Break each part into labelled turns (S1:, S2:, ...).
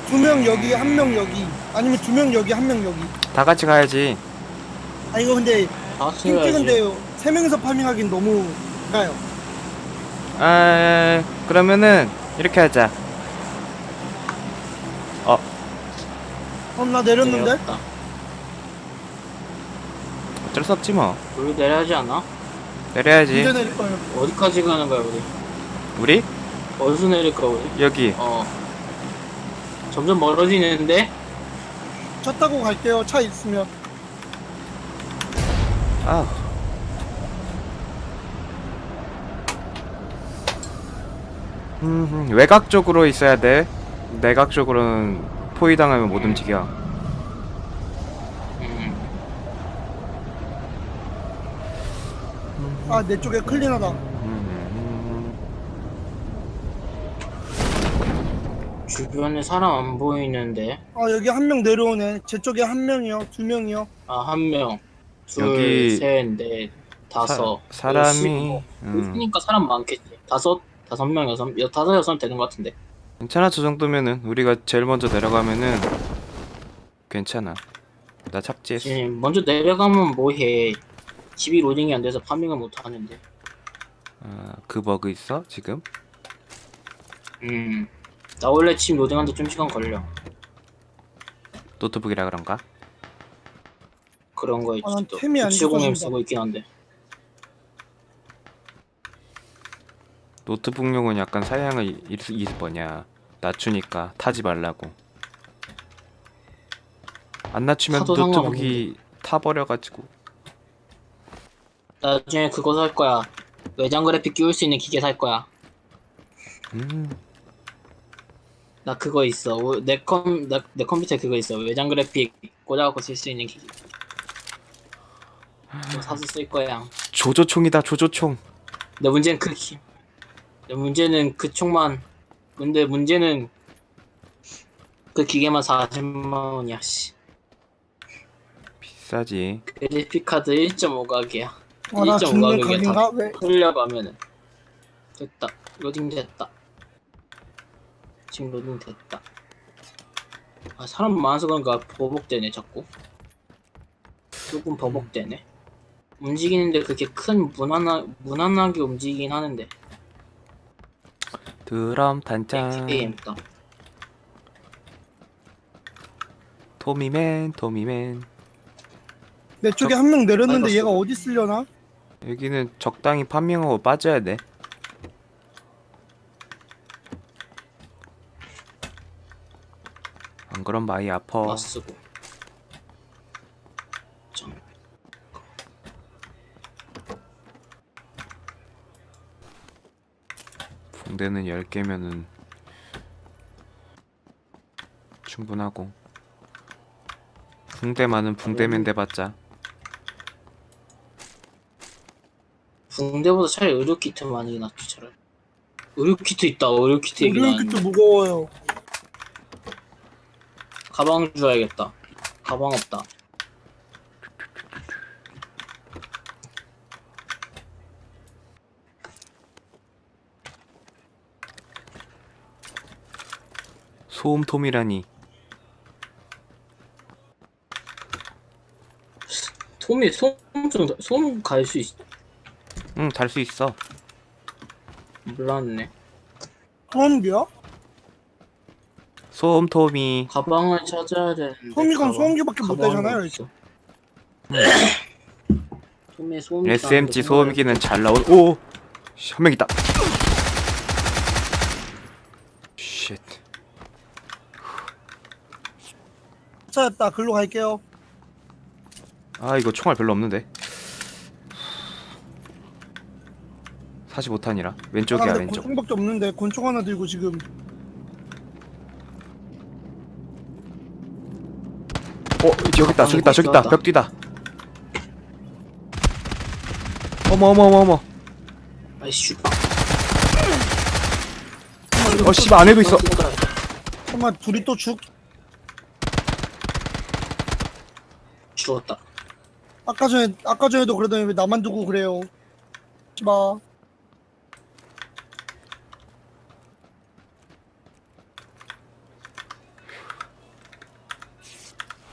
S1: 두 명 여기, 한 명 여기. 아니면 두 명 여기, 한 명 여기.
S2: 다 같이 가야지.
S1: 아, 이거 근데
S3: 다
S1: 핑
S3: 쓰여야지.
S1: 찍은데 세 명이서 파밍하긴 너무 가요.
S2: 그러면은 이렇게 하자.
S1: 나 내렸는데?
S3: 내렸다.
S2: 어쩔 수 없지 뭐.
S3: 우리 내려야 하지 않아?
S2: 내려야지.
S1: 언제 내릴 거예요?
S3: 어디까지 가는 거야 우리?
S2: 우리
S3: 어디서 내릴 거야 우리?
S2: 여기.
S3: 점점 멀어지는데?
S1: 차 타고 갈게요. 차 있으면.
S2: 아. 외곽 쪽으로 있어야 돼. 내각 쪽으로는 포위당하면 못 움직여.
S1: 아, 내 쪽에 클린하다.
S3: 주변에 사람 안 보이는데?
S1: 아, 여기 한 명 내려오네. 제 쪽에 한 명이요. 두 명이요.
S3: 아, 한 명, 둘,
S2: 여기
S3: 셋, 넷, 다섯.
S2: 사람이
S3: 있으니까 사람 많겠지. 다섯 명, 다섯, 여섯 되는 것 같은데.
S2: 괜찮아. 저 정도면은 우리가 제일 먼저 내려가면은 괜찮아. 나 착지했어.
S3: 지금 먼저 내려가면 뭐해? 집이 로딩이 안 돼서 파밍을 못 하는데.
S2: 그 버그 있어 지금?
S3: 나 원래 집 로딩하는데 좀 시간 걸려.
S2: 노트북이라 그런가?
S3: 그런 거 있지.
S1: 난
S3: 또
S1: 템이 안
S3: 970M
S1: 좋아진다.
S3: 쓰고 있긴 한데.
S2: 노트북용은 약간 사양을 뭐냐 낮추니까 타지 말라고. 안 낮추면
S3: 타도
S2: 노트북이 타버려가지고.
S3: 나중에 그거 살 거야. 외장 그래픽 끼울 수 있는 기계 살 거야. 나 그거 있어. 내 컴퓨터에 그거 있어. 외장 그래픽 꽂아갖고 쓸 수 있는 기계. 그거 사서 쓸 거야.
S2: 조조총이다 조조총.
S3: 내 문제는 그 총만. 근데 문제는 그 기계만 40만 원이야. 씨.
S2: 비싸지.
S3: 그래픽 카드 1.5각이야.
S1: 아, 나 죽는
S3: 1.5각이야.
S1: 각인가?
S3: 다
S1: 왜?
S3: 흘려고 하면은 됐다. 로딩 됐다. 지금 로딩 됐다. 아, 사람 많아서 그런가 버벅대네 자꾸. 조금 버벅대네. 움직이는데 그렇게 큰 무난하게 움직이긴 하는데.
S2: 드럼 단짠.
S3: 게임다.
S2: 토미맨.
S1: 내 쪽에 한 명 내렸는데
S3: 아이고,
S1: 얘가 어디 쓰려나?
S2: 여기는 적당히 파밍하고 빠져야 돼. 안 그럼 많이 아파.
S3: 맞쓰고.
S2: 붕대는 10개면은 충분하고. 붕대만은 붕대면 돼봤자.
S3: 붕대보다 차라리 의료 키트 많이 낫지 차라리. 의료 키트 있다. 의료 키트 얘기
S1: 의료용 키트
S3: 나왔네.
S1: 무거워요.
S3: 가방 줘야겠다. 가방 없다.
S2: 소음톰이라니.
S3: 솜 갈 수 있.
S2: 응, 달 수 있어.
S3: 몰랐네.
S1: 소음기야?
S2: 소음톰이.
S3: 가방을 찾아야 되는데.
S1: 소음기건 소음기밖에 못
S3: 가방이
S1: 되잖아요.
S3: 없어. 솜에 소음기.
S2: SMG 소음기는 잘 나온. 오! 한 명 있다. 쉣.
S1: 찾았다. 글로 갈게요.
S2: 아, 이거 총알 별로 없는데. 45탄이라. 왼쪽이야,
S1: 근데
S2: 왼쪽.
S1: 권총밖에 없는데 권총 하나 들고 지금.
S2: 여기 있다, 저기 있다, 저기 있다. 벽 뒤다. 어머.
S3: 아이씨.
S2: 씨발, 안에도 있어.
S1: 정말 둘이 또
S3: 죽었다.
S1: 아까 전에도 그러더니 왜 나만 두고 그래요? 마.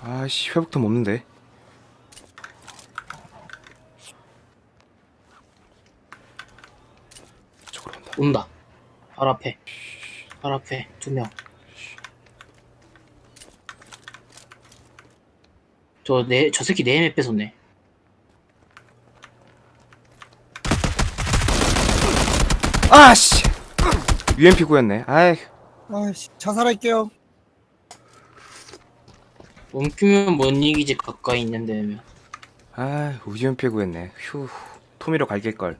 S2: 아씨 회복템 없는데. 저걸 온다.
S3: 온다. 발 앞에. 발 앞에 2명. 저 새끼 내 햄에 뺏었네.
S2: 아씨 UMP 구였네. 아이
S1: 아이씨 자살할게요.
S3: 움키면 못 이기지 가까이 있는 데면.
S2: 아 UMP 구했네. 휴 토미로 갈길걸.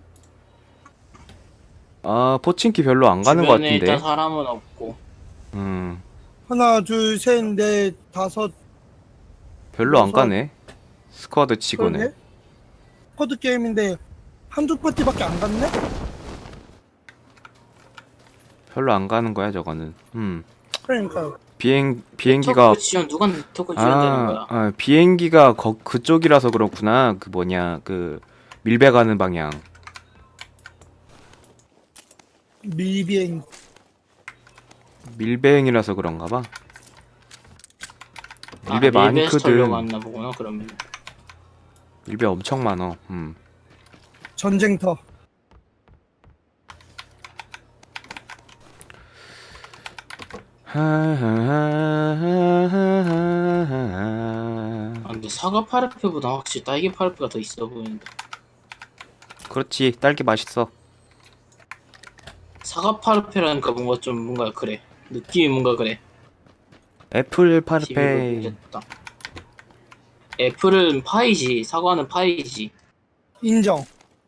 S2: 아 포친키 별로 안 가는 것
S3: 주변에 일단
S2: 같은데.
S3: 사람은 없고.
S1: 하나 둘 셋 넷 다섯.
S2: 별로 안
S1: 여섯.
S2: 가네. 스쿼드 치고는.
S1: 그러네. 코드 게임인데 한두 파티밖에 안 갔네?
S2: 별로 안 가는 거야 저거는.
S1: 그러니까요.
S2: 비행기가
S3: 네트워크 지원 누가 네트워크 지원되는 거야?
S2: 비행기가 그쪽이라서 그렇구나. 그 뭐냐 그 밀배 가는 방향.
S1: 미비행.
S2: 밀배행이라서 그런가 봐. 밀배
S3: 밀배에서 털려고
S2: 많거든.
S3: 왔나 보구나 그러면.
S2: 밀배 엄청 많어.
S1: 전쟁터.
S3: 근데 사과 파르페보다 확실히 딸기 파르페가 더 있어 보이는데.
S2: 그렇지 딸기 맛있어.
S3: 사과 파르페라니까 뭔가 그래. 느낌이 뭔가 그래.
S2: 애플
S3: TV로
S2: 파르페.
S3: 보겠다. 애플은 파이지, 사과는 파이지.
S1: 인정.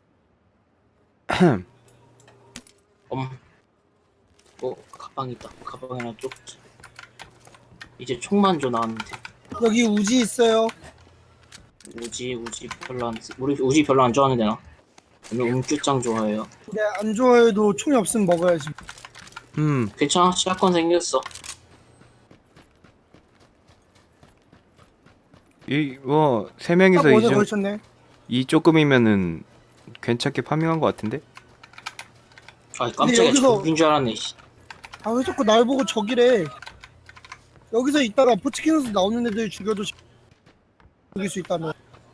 S3: 가방 있다. 가방이나 쪽. 이제 총만 줘 나한테.
S1: 여기 우지 있어요.
S3: 우지 별로 안 우리 우지 별로 안 좋아하는데 나. 오늘 음규짱 좋아해요.
S1: 근데 안 좋아해도 총이 없으면 먹어야지.
S3: 괜찮아, 샷건 생겼어.
S2: 세
S1: 딱
S2: 명이서
S1: 어제 걸쳤네.
S2: 이 조금이면은 괜찮게 파밍한 것 같은데?
S3: 아 깜짝이야,
S1: 여기서-
S3: 적인 줄 알았네. 씨.
S1: 아 왜 자꾸 날 보고 저기래. 여기서 있다가 포치킨에서 나오는 애들 죽여도 죽일 수 있다며.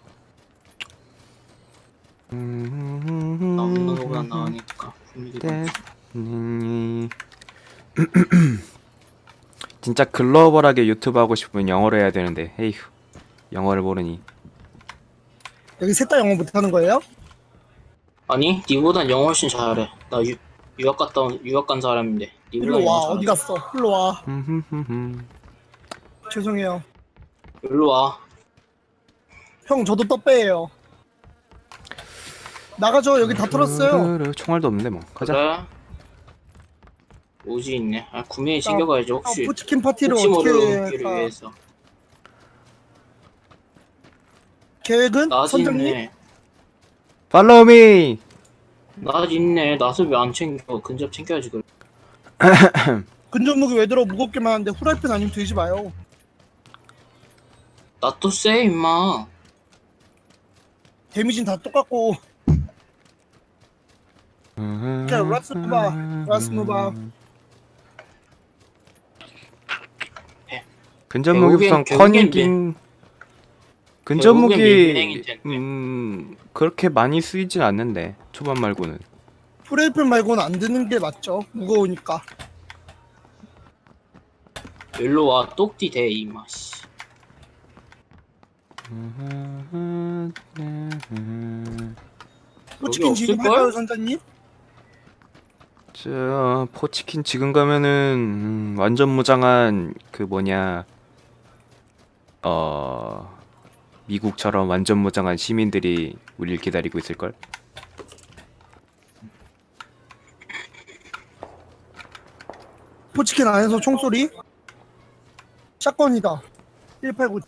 S3: 나오는 거보다 나으니까.
S2: 네. 진짜 글로벌하게 유튜브 하고 싶으면 영어로 해야 되는데 에휴 영어를 모르니.
S1: 여기 셋 다 영어 못하는 거예요?
S3: 아니, 니보단 영어 훨씬 잘해. 나 유학 간 사람인데. 니보단
S1: 일로 와.
S3: 영어
S1: 어디
S3: 잘해.
S1: 갔어? 일로 와. 죄송해요.
S3: 일로 와.
S1: 형 저도 떡배예요. 나가죠. 여기 다 털었어요.
S2: 총알도 없는데 뭐 가자.
S3: 그래. 오지 있네. 아, 구매에 챙겨가야지 혹시.
S1: 포치킨 파티를
S3: 혹시 모를
S1: 어떻게
S3: 운기를
S1: 할까?
S3: 위해서.
S1: 계획은?
S3: 나지
S1: 선장님?
S3: 있네.
S2: Follow me.
S3: 나지 있네. 나서 왜 안 챙겨? 근접 챙겨야지 그래.
S1: 근접무기 왜 들어? 무겁게만 하는데 후라이팬 아니면 들지 마요.
S3: 나 또 쎄 임마.
S1: 데미지는 다 똑같고. 자, 라스무바.
S2: 근접무기 우선
S3: 결국엔
S2: 커닝.
S3: 결국엔 밀비행일 텐데.
S2: 그렇게 많이 쓰이진 않는데 초반 말고는.
S1: 후라이팬 말고는 안 드는 게 맞죠. 무거우니까.
S3: 일로 와. 똑띠 대 임마. 씨.
S1: 포치킨 지금
S3: 없을걸?
S1: 할까요, 선장님?
S2: 저 포치킨 지금 가면은 완전 무장한 그 뭐냐 미국처럼 완전 무장한 시민들이 우리를 기다리고 있을걸?
S1: 포치킨 안에서 총소리? 샷건이다. 189.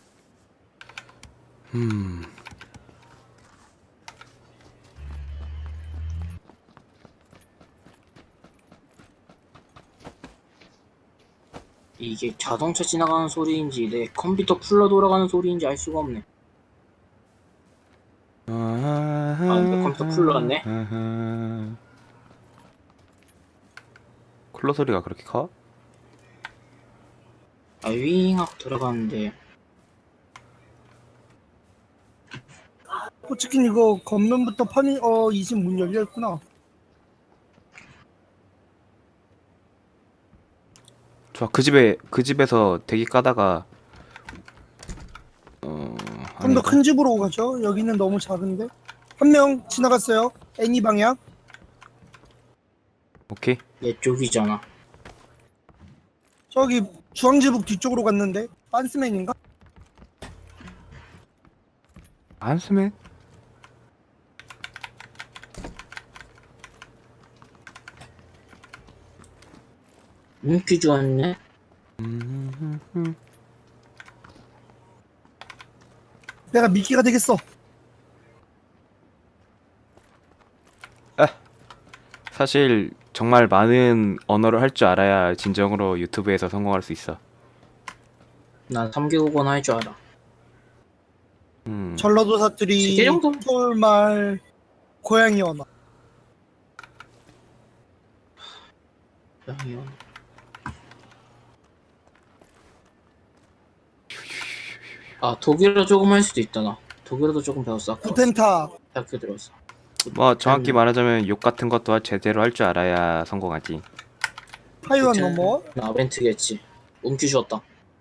S3: 이게 자동차 지나가는 소리인지 내 컴퓨터 풀러 돌아가는 소리인지 알 수가 없네. 내 컴퓨터 풀러 왔네.
S2: 쿨러 소리가 그렇게 커?
S3: 윙 하고 들어가는데
S1: 포치킨 이거 겉면부터 파밍 이 집 문 열려있구나.
S2: 좋아. 그 집에서 대기 까다가
S1: 좀 더
S2: 아니다.
S1: 큰 집으로 가죠. 여기는 너무 작은데. 한 명 지나갔어요. 애니 방향.
S2: 오케이.
S3: 얘 쪽이잖아.
S1: 저기 주황지북 뒤쪽으로 갔는데. 빤스맨인가?
S2: 안스맨?
S3: 인기 좋았네.
S1: 내가 미끼가 되겠어.
S2: 사실 정말 많은 언어를 할 줄 알아야 진정으로 유튜브에서 성공할 수 있어.
S3: 난 3개국어는 할 줄 알아.
S1: 전라도
S3: 세
S1: 사투리,
S3: 개 정도?
S1: 서울말, 고양이 언어.
S3: 양이요. 아 독일어 조금 할 수도 있다 나. 독일어도 조금 배웠어. 아까
S1: 구텐타.
S3: 대학교 들어왔어.
S2: 뭐 정확히 말하자면 욕 같은 것도 제대로 할 줄 알아야 성공하지.
S1: 타이완 넘어.
S3: 나 아벤트겠지. 음기 주었다.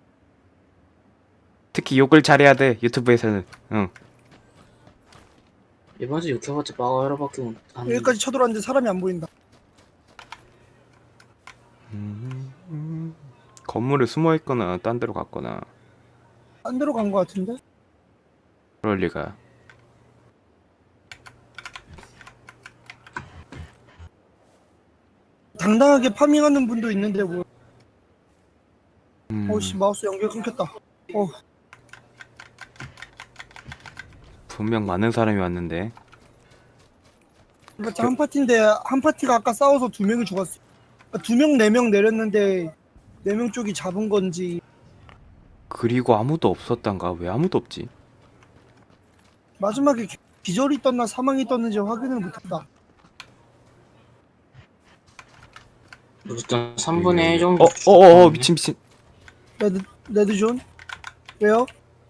S2: 특히 욕을 잘해야 돼 유튜브에서는. 응.
S3: 이번에도 욕해봤자 빠가라밖에 못 하는.
S1: 여기까지 쳐들어왔는데 사람이 안 보인다.
S2: 건물에 숨어 있거나 딴 데로 갔거나
S1: 딴 데로 간 거 같은데?
S2: 그럴 리가.
S1: 당당하게 파밍하는 분도 있는데 뭐.
S2: 음,
S1: 어씨 마우스 연결 끊겼다.
S2: 분명 많은 사람이 왔는데.
S1: 그러니까 한 파티인데 한 파티가 아까 싸워서 2명이 죽었어. 그러니까 2명, 4명 내렸는데 4명 쪽이 잡은 건지.
S2: 그리고 아무도 없었단가? 왜 아무도 없지?
S1: 마지막에 기절이 떴나 사망이 떴는지 확인을 못했다.
S3: 일단 3분의 1 정도.
S2: 미친.
S1: 레드존? 왜요?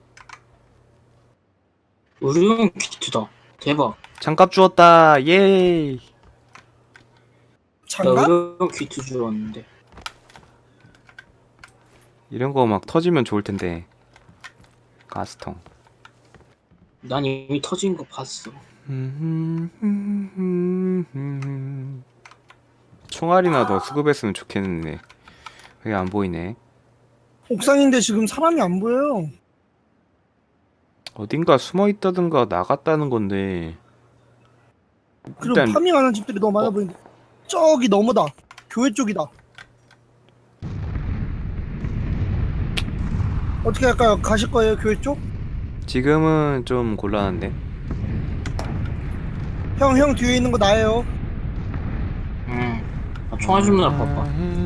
S3: 의료용 키트다. 대박.
S2: 장갑 주었다. 예.
S3: 나
S1: 장갑?
S3: 의료용 키트 주었는데.
S2: 이런 거 막 터지면 좋을 텐데. 가스통.
S3: 난 이미 터진 거 봤어.
S2: 총알이나 더 수급했으면 좋겠는데. 왜 안 보이네.
S1: 옥상인데 지금 사람이 안 보여요.
S2: 어딘가 숨어 있다든가 나갔다는 건데.
S1: 그리고
S2: 일단
S1: 파밍하는 집들이 너무 많아 보이는데. 저기 너머다. 교회 쪽이다. 어떻게 할까요? 가실 거예요, 교회 쪽?
S2: 지금은 좀 곤란한데.
S1: 형 뒤에 있는 거 나예요.
S3: 나 총알 좀 나라 봐봐.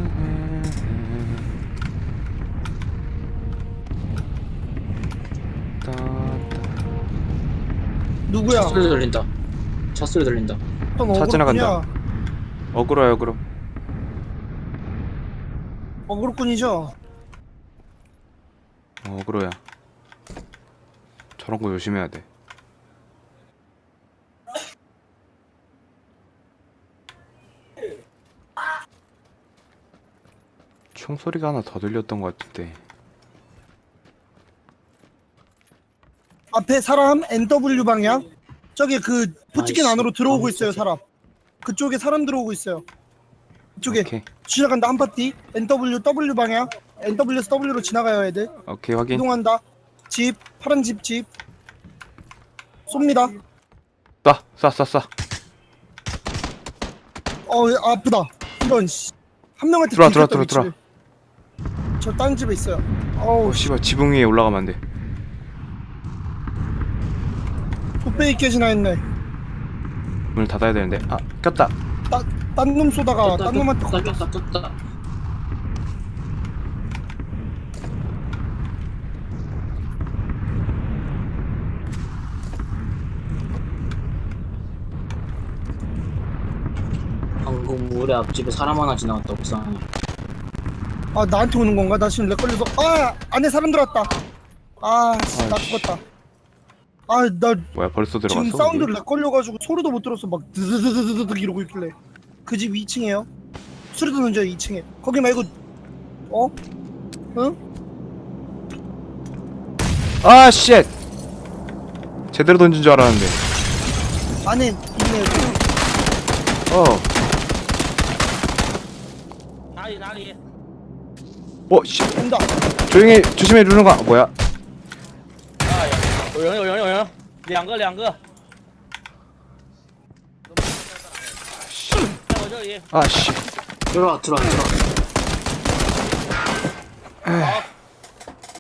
S1: 누구야?
S3: 차 소리 들린다. 차 소리 들린다.
S1: 어떤
S2: 차 지나간다. 어그로야.
S1: 어그로꾼이죠?
S2: 어그로야. 저런 거 조심해야 돼. 총소리가 하나 더 들렸던 것 같은데.
S1: 앞에 사람 NW 방향. 저기 그 포치킨
S3: 아이씨,
S1: 안으로 들어오고 있어요,
S3: 진짜.
S1: 사람. 그쪽에 사람 들어오고 있어요. 이쪽에
S2: 오케이.
S1: 지나간다 한 파티. W 방향. NW에서 W로 지나가요, 애들.
S2: 오케이, 확인.
S1: 이동한다. 집, 파란 집. 쏩니다.
S2: 쏴.
S1: 아프다. 이런 씨. 한 명한테
S2: 들어와.
S1: 저 다른 집에 있어요.
S2: 씨발, 지붕 위에 올라가면 안 돼.
S1: 뚝배기 깨지나 했네.
S2: 문을 닫아야 되는데. 아, 꼈다.
S1: 딴 놈 쏘다가 딴 놈한테
S3: 떴다. 방금 우리 앞집에 사람 하나 지나갔다 옥상에.
S1: 나한테 오는 건가? 나 지금 렉 걸려서 안에 사람 들어왔다. 나
S2: 아이씨.
S1: 죽었다. 아, 나
S2: 뭐야 벌써 들어갔어?
S1: 지금
S2: 우리?
S1: 사운드를 렉 걸려가지고 소리도 못 들었어. 막 드드드드드드 이러고 있길래. 그 집 2층이에요. 소리 듣는 저 2층에. 거기 말고 어? 응?
S2: 아 쉣! 제대로 던진 줄 알았는데.
S1: 안에 있네.
S2: 어.
S4: 哪里哪里？
S2: 어 씨.
S1: 온다.
S2: 조용히 조심해 루는가? 뭐야?
S4: 啊，有人，两个，在我这里。
S2: 아 씨.
S3: 들어와.
S4: 好，